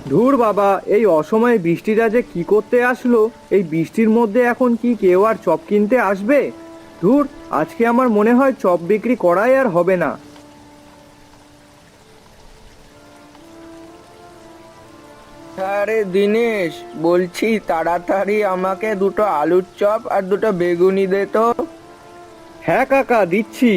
ধুর বাবা, এই অসময়ে বৃষ্টিটা যে কি করতে আসলো! এই বৃষ্টির মধ্যে এখন কি কেউ আর চপ কিনতে আসবে? ধুর, আজকে আমার মনে হয় চপ বিক্রি করাই আর হবে না। আরে দিনেশ, বলছি তাড়াতাড়ি আমাকে দুটো আলুর চপ আর দুটো বেগুনি দে তো। হ্যাঁ কাকা, দিচ্ছি।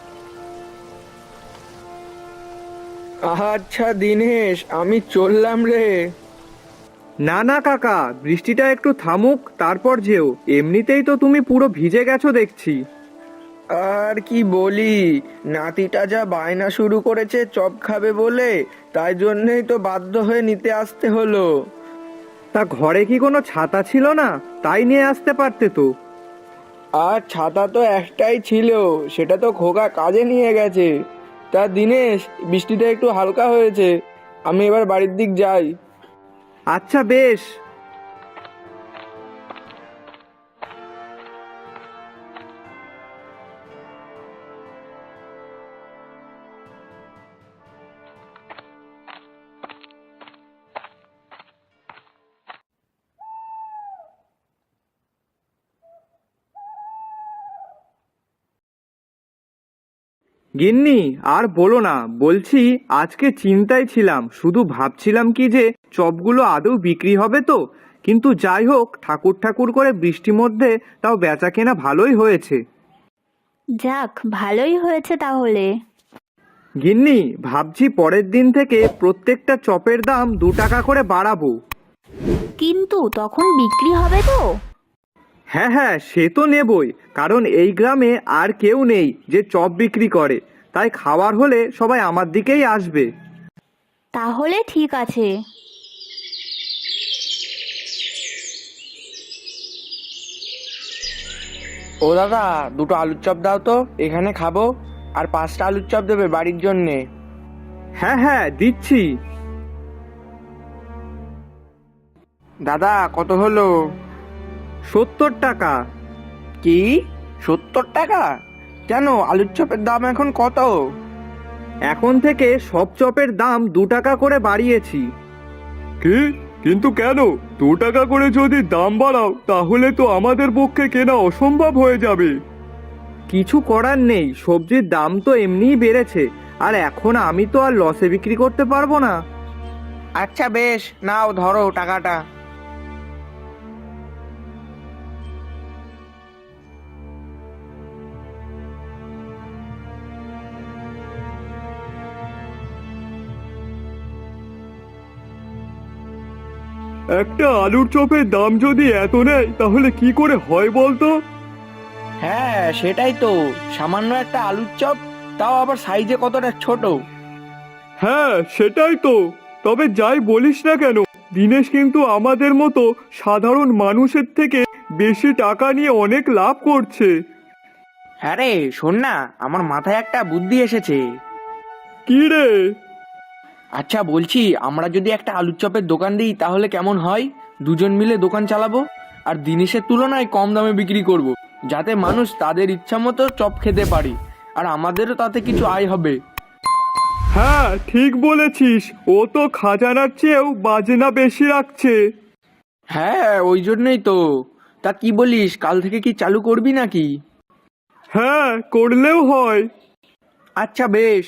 আচ্ছা দিনেশ, আমি চললাম রে। না না কাকা, বৃষ্টিটা একটু থামুক তারপর যেও। এমনিতেই তো তুমি পুরো ভিজে গেছো দেখছি। আর কি বলি, নাতিটা যা বায়না শুরু করেছে চপ খাবে বলে, তাই জন্যই তো বাধ্য হয়ে নিতে আসতে হলো। তা ঘরে কি কোনো ছাতা ছিল না? তাই নিয়ে আসতে পারতে তো। আর ছাতা তো একটাই ছিল, সেটা তো খোকা কাজে নিয়ে গেছে। তা দিনেশ, বৃষ্টিটা একটু হালকা হয়েছে, আমি এবার বাড়ির দিক যাই। আচ্ছা বেশ। গিন্নি, আর বলো না, বলছি আজকে চিন্তায় ছিলাম, শুধু ভাবছিলাম কি যে চপগুলো আদৌ বিক্রি হবে তো। কিন্তু যাই হোক, ঠাকুর ঠাকুর করে বৃষ্টির মধ্যে তাও বেচা কেনা ভালোই হয়েছে। যাক, ভালোই হয়েছে তাহলে। গিন্নি, ভাবছি পরের দিন থেকে প্রত্যেকটা চপের দাম 2 টাকা করে বাড়াবো। কিন্তু তখন বিক্রি হবে তো? হ্যাঁ হ্যাঁ, সে তো নেবই, কারণ এই গ্রামে আর কেউ নেই যে চপ বিক্রি করে। তাই খাওয়ার হলে সবাই আমার দিকেই আসবে। তাহলে ঠিক আছে। ও দাদা, দুটো আলুর চপ দাও তো, এখানে খাবো। আর 5টা আলুর চপ দেবে বাড়ির জন্যে। হ্যাঁ হ্যাঁ, দিচ্ছি। দাদা, কত হলো? 70 টাকা। কি, 70 টাকা? কেন, আলুর চপের দাম এখন কত? এখন থেকে সব চপের দাম 2 টাকা করে বাড়িয়েছি। কি? কিন্তু কেন? 2 টাকা করে যদি দাম বাড়াও তাহলে তো আমাদের পক্ষে কেনা অসম্ভব হয়ে যাবে। কিছু করার নেই, সবজির দাম তো এমনিই বেড়েছে। আর এখন আমি তো আর লসে বিক্রি করতে পারবো না। আচ্ছা বেশ, নাও ধরো টাকাটা। একটা আলুর চপের দাম যদি এত নেয় তাহলে কি করে হয় বলতো? হ্যাঁ সেটাই তো, সামান্য একটা আলুর চপ, তাও আবার সাইজে কতটা ছোট। হ্যাঁ সেটাই তো। তবে যাই বলিস না কেন, দিনেশ কিন্তু আমাদের মতো সাধারণ মানুষের থেকে বেশি টাকা নিয়ে অনেক লাভ করছে। হ্যাঁ রে, শোন না, আমার মাথায় একটা বুদ্ধি এসেছে। কি রে? আচ্ছা বলছি, আমরা যদি একটা আলুর চপের দোকান দিই তাহলে কেমন হয়? দুজন মিলে দোকান চালাবো, আর জিনিসের তুলনায় কম দামে বিক্রি করব, যাতে মানুষ তাদের ইচ্ছা মতো চপ খেতে পারে, আর আমাদেরও তাতে কিছু আয় হবে। হ্যাঁ ঠিক বলেছিস, ও তো খাজানার চেয়েও বাজনা বেশি রাখছে। হ্যাঁ ওই জন্যই তো। তা কি বলিস, কাল থেকে কি চালু করবি নাকি? হ্যাঁ, করলেও হয়। আচ্ছা বেশ।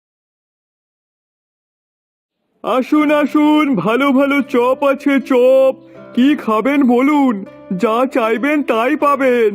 আসুন আসুন, ভালো ভালো চপ আছে, চপ। কি খাবেন বলুন, যা চাইবেন তাই পাবেন।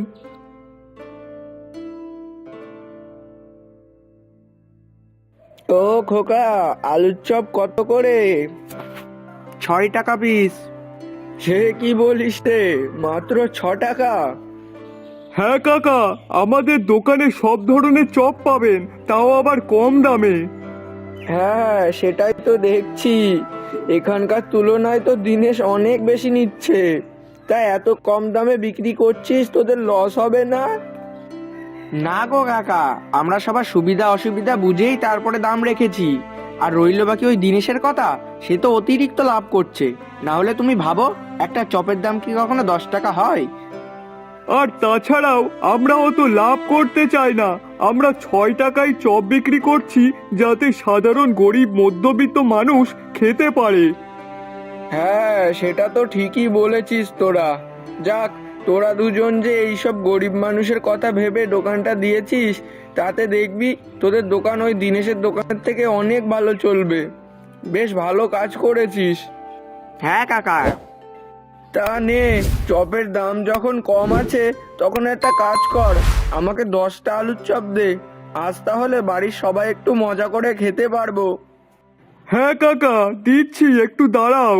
ও খোকা, আলুর চপ কত করে? 6 টাকা পিস। সে কি বলিস রে, মাত্র 6 টাকা? হ্যাঁ কাকা, আমাদের দোকানে সব ধরনের চপ পাবেন, তাও আবার কম দামে। হ্যাঁ সেটাই তো দেখছি, এখানকার তুলনায় তো দিনেশ অনেক বেশি নিচ্ছে। তাই এত কম দামে বিক্রি করছিস, তোদের লস হবে না? না গো কাকা, আমরা সবার সুবিধা অসুবিধা বুঝেই তারপরে দাম রেখেছি। আর রইল বাকি ওই দিনেশের কথা, সে তো অতিরিক্ত লাভ করছে। না হলে তুমি ভাবো, একটা চপের দাম কি কখনো 10 টাকা হয়? আর তাছাড়াও আমরাও তো লাভ করতে চাই না। আমরা 6 টাকায় চপ বিক্রি করছি, যাতে সাধারণ গরিব মধ্যবিত্ত মানুষ খেতে পারে। হ্যাঁ, সেটা তো ঠিকই বলেছিস তোরা। যাক, তোরা দুজন যে এইসব গরিব মানুষের কথা ভেবে দোকানটা দিয়েছিস, তাতে দেখবি তোদের দোকান ওই দিনেশের দোকানের থেকে অনেক ভালো চলবে। বেশ ভালো কাজ করেছিস। হ্যাঁ কাকা। তা নে, চপের দাম যখন কম আছে তখন একটা কাজ কর, আমাকে 10টা আলুর চপ দে। আজ তাহলে বাড়ির সবাই একটু মজা করে খেতে পারবো। হ্যাঁ কাকা, দিচ্ছি, একটু দাঁড়াও।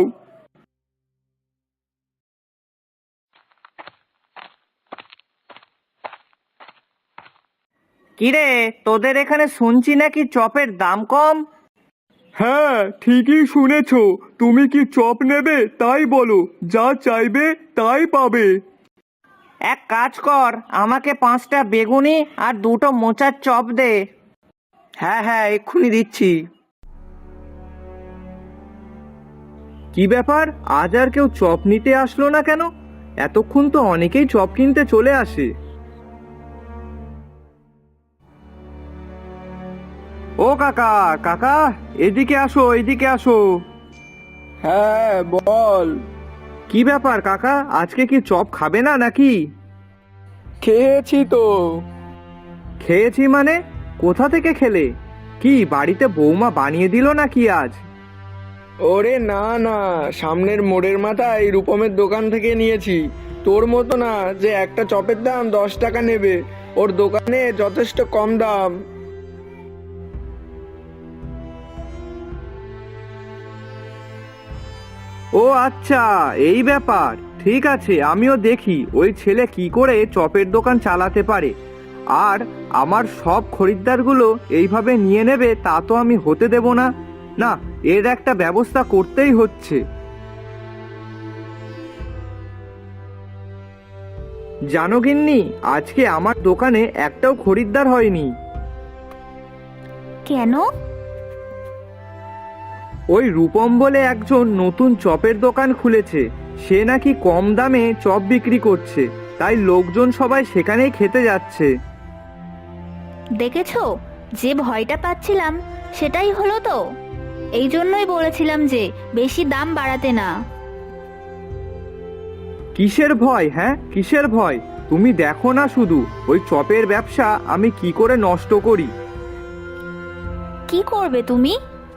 কিরে, তোদের এখানে শুনছি নাকি চপের দাম কম? হ্যাঁ, ঠিকই শুনেছো। তুমি কি চপ নেবে তাই বলো, যা চাইবে তাই পাবে। এক কাজ কর, আমাকে 5টা বেগুনি আর 2টো মোচার চপ দে। হ্যাঁ হ্যাঁ, এক্ষুনি দিচ্ছি। কি ব্যাপার, আজ আর কেউ চপ নিতে আসলো না কেন? এতক্ষণ তো অনেকেই চপ কিনতে চলে আসে। ও কাকা, কাকা, এদিকে আসো, এদিকে আসো। হ্যাঁ বল। কি ব্যাপার কাকা, আজকে কি চপ খাবে না নাকি? খেয়েছি তো। খেয়েছি মানে? কোথা থেকে খেলে? কি বাড়িতে বৌমা বানিয়ে দিল নাকি আজ? ওরে না না, সামনের মোড়ের মাথায় রূপমের দোকান থেকে নিয়েছি। তোর মতো না যে একটা চপের দাম 10 টাকা নেবে, ওর দোকানে যথেষ্ট কম দাম। ও আচ্ছা, এই ব্যাপার। ঠিক আছে, আমিও দেখি ওই ছেলে কি করে চপের দোকান চালাতে পারে। আর আমার সব খরিদ্দারগুলো এইভাবে নিয়ে নেবে তা তো আমি হতে দেব না। না, এর একটা ব্যবস্থা করতেই হচ্ছে। জানো গিন্নি, আজকে আমার দোকানে একটাও খরিদ্দার হয়নি। কেন? ওই রূপম বলে একজন নতুন চপের দোকান খুলেছে, সে নাকি কম দামে চপ বিক্রি করছে, তাই লোকজন সবাই সেখানেই খেতে যাচ্ছে। দেখেছো, যে ভয়টা পাচ্ছিলাম সেটাই হলো তো। এই জন্যই বলেছিলাম যে বেশি দাম বাড়াতে না। কিসের ভয়? হ্যাঁ, কিসের ভয়? তুমি দেখো না শুধু ওই চপের ব্যবসা আমি কি করে নষ্ট করি। কি করবে তুমি?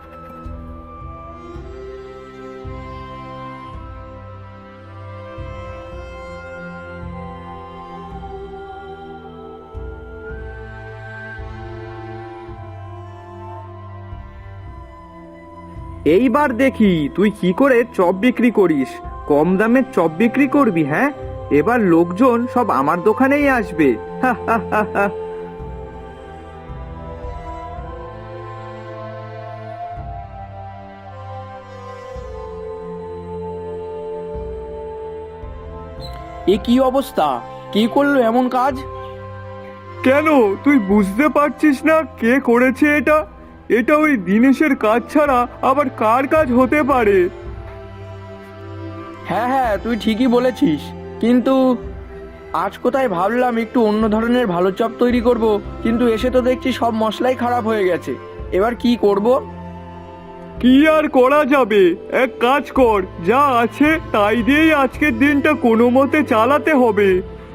এইবার দেখি তুই কি করে চপ বিক্রি করিস। কম দামে চপ বিক্রি করবি? হ্যাঁ, এবার লোকজন সব আমার দোকানেই আসবে। হা হা হা হা। এ কি অবস্থা? কি করলো এমন কাজ? কেন, তুই বুঝতে পারছিস না কে করেছে এটা? এটা ওই দিনেশের কাজ ছাড়া আবার কার কাজ হতে পারে? হ্যাঁ হ্যাঁ, তুই ঠিকই বলেছিস। কিন্তু আজ কোথায় ভাবলাম একটু অন্য ধরনের ভালো চপ তৈরি করব, কিন্তু এসে তো দেখছি সব মশলাই খারাপ হয়ে গেছে। এবার কি করব? কি আর করা যাবে, এক কাজ কর, যা আছে তাই দিয়েই আজকের দিনটা কোনো মতে চালাতে হবে।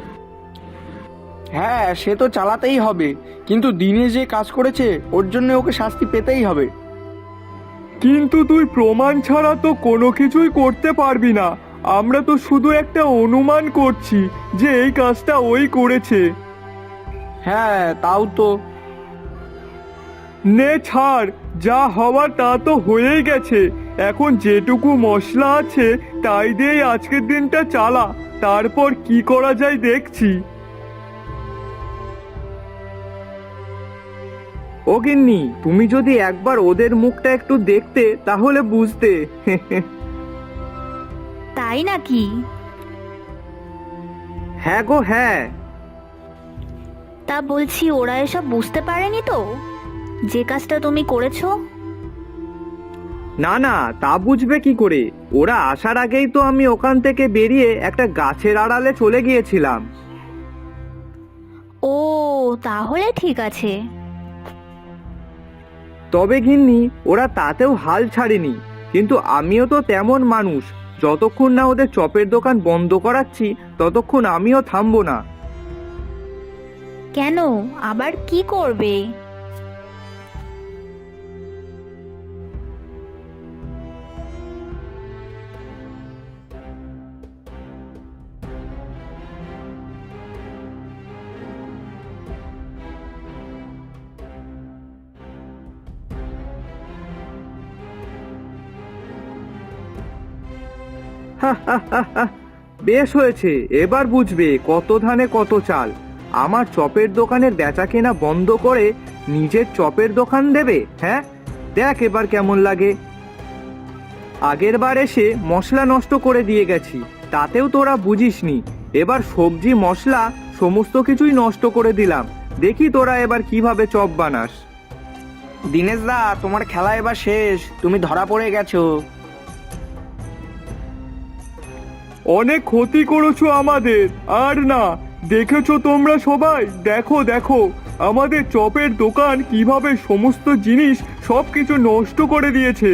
হ্যাঁ, সে তো চালাতেই হবে, কিন্তু দিনে যে কাজ করেছে ওর জন্য ওকে শাস্তি পেতেই হবে। কিন্তু তুই প্রমাণ ছাড়া তো কোনো কিছুই করতে পারবি না। আমরা তো শুধু একটা অনুমান করছি যে এই কাজটা ওই করেছে। হ্যাঁ, তাও তো। নে ছাড়, যা হওয়ার তা তো হয়েই গেছে। এখন যেটুকু মশলা আছে তাই দিয়েই আজকের দিনটা চালা, তারপর কি করা যায় দেখছি। ও গিন্নি, তুমি যদি একবার ওদের মুখটা একটু দেখতে তাহলে বুঝতে। তাই নাকি? হ্যাঁ গো হ্যাঁ। তা বলছি, ওরা এসব বুঝতে পারেনি তো যে কাজটা তুমি করেছো? না না, তা বুঝবে কি করে? ওরা আসার আগেই তো আমি ওখান থেকে বেরিয়ে একটা গাছের আড়ালে চলে গিয়েছিলাম। ও, তাহলে ঠিক আছে। তবে গিন্নি, ওরা তাতেও হাল ছাড়েনি। কিন্তু আমিও তো তেমন মানুষ, যতক্ষণ না ওদের চপের দোকান বন্ধ করাচ্ছি ততক্ষণ আমিও থামবো না। কেন, আবার কি করবে? বেশ হয়েছে, এবার বুঝবে কত ধানে কত চাল। আমার চপের দোকানের বেচা কেনা বন্ধ করে নিজের চপের দোকান দেবে? হ্যাঁ, দেখ এবার কেমন লাগে। আগের বার এসে মশলা নষ্ট করে দিয়ে গেছি, তাতেও তোরা বুঝিসনি। এবার সবজি মশলা সমস্ত কিছুই নষ্ট করে দিলাম, দেখি তোরা এবার কিভাবে চপ বানাস। দীনেশ দা, তোমার খেলা এবার শেষ, তুমি ধরা পড়ে গেছো। অনেক ক্ষতি করেছো আমাদের, আর না। দেখেছো তোমরা সবাই, দেখো দেখো আমাদের চপের দোকান কিভাবে সমস্ত জিনিস সবকিছু নষ্ট করে দিয়েছে।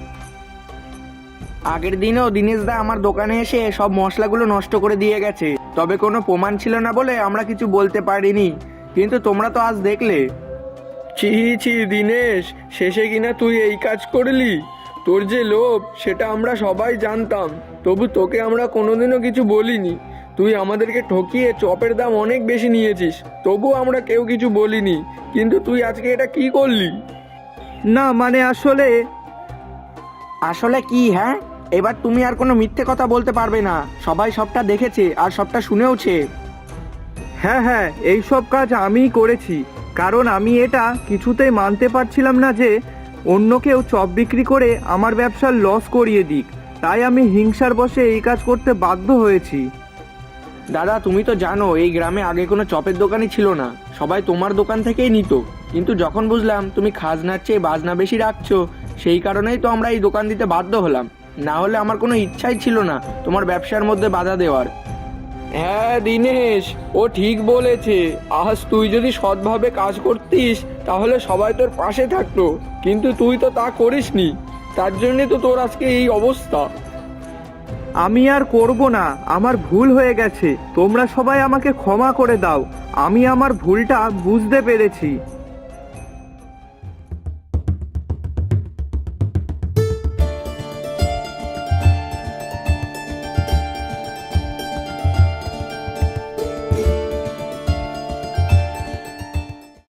আগের দিনও দীনেশ দা আমার দোকানে এসে সব মশলাগুলো নষ্ট করে দিয়ে গেছে, তবে কোনো প্রমাণ ছিল না বলে আমরা কিছু বলতে পারিনি, কিন্তু তোমরা তো আজ দেখলে। ছি ছি দীনেশ, শেষে কিনা তুই এই কাজ করলি। তোর যে লোভ সেটা আমরা সবাই জানতাম, তবু তোকে আমরা কোনোদিনও কিছু বলিনি। তুই আমাদেরকে ঠকিয়ে চপের দাম অনেক বেশি নিয়েছিস, তবু আমরা কেউ কিছু বলিনি, কিন্তু তুই আজকে এটা কি করলি? না মানে আসলে আসলে কি? হ্যাঁ, এবার তুমি আর কোনো মিথ্যে কথা বলতে পারবে না, সবাই সবটা দেখেছে আর সবটা শুনেওছে। হ্যাঁ হ্যাঁ, এই সব কাজ আমিই করেছি, কারণ আমি এটা কিছুতেই মানতে পারছিলাম না যে অন্য কেউ চপ বিক্রি করে আমার ব্যবসার লস করিয়ে দিক, তাই আমি হিংসার বশে এই কাজ করতে বাধ্য হয়েছি। দাদা, তুমি তো জানো এই গ্রামে আগে কোনো চপের দোকানই ছিল না, সবাই তোমার দোকান থেকেই নিত, কিন্তু যখন বুঝলাম তুমি খাজনার চেয়ে বাজনা বেশি রাখছো, সেই কারণেই তো আমরা এই দোকান দিতে বাধ্য হলাম, না হলে আমার কোনো ইচ্ছাই ছিল না তোমার ব্যবসার মধ্যে বাধা দেওয়ার। হ্যাঁ দীনেশ, ও ঠিক বলেছে, আজ তুই যদি সৎভাবে কাজ করতিস তাহলে সবাই তোর পাশে থাকতো, কিন্তু তুই তো তা করিসনি, তার জন্যে তো তোর আজকে এই অবস্থা। আমি আর করব না, আমার ভুল হয়ে গেছে, তোমরা সবাই আমাকে ক্ষমা করে দাও, আমি আমার ভুলটা বুঝতে পেরেছি।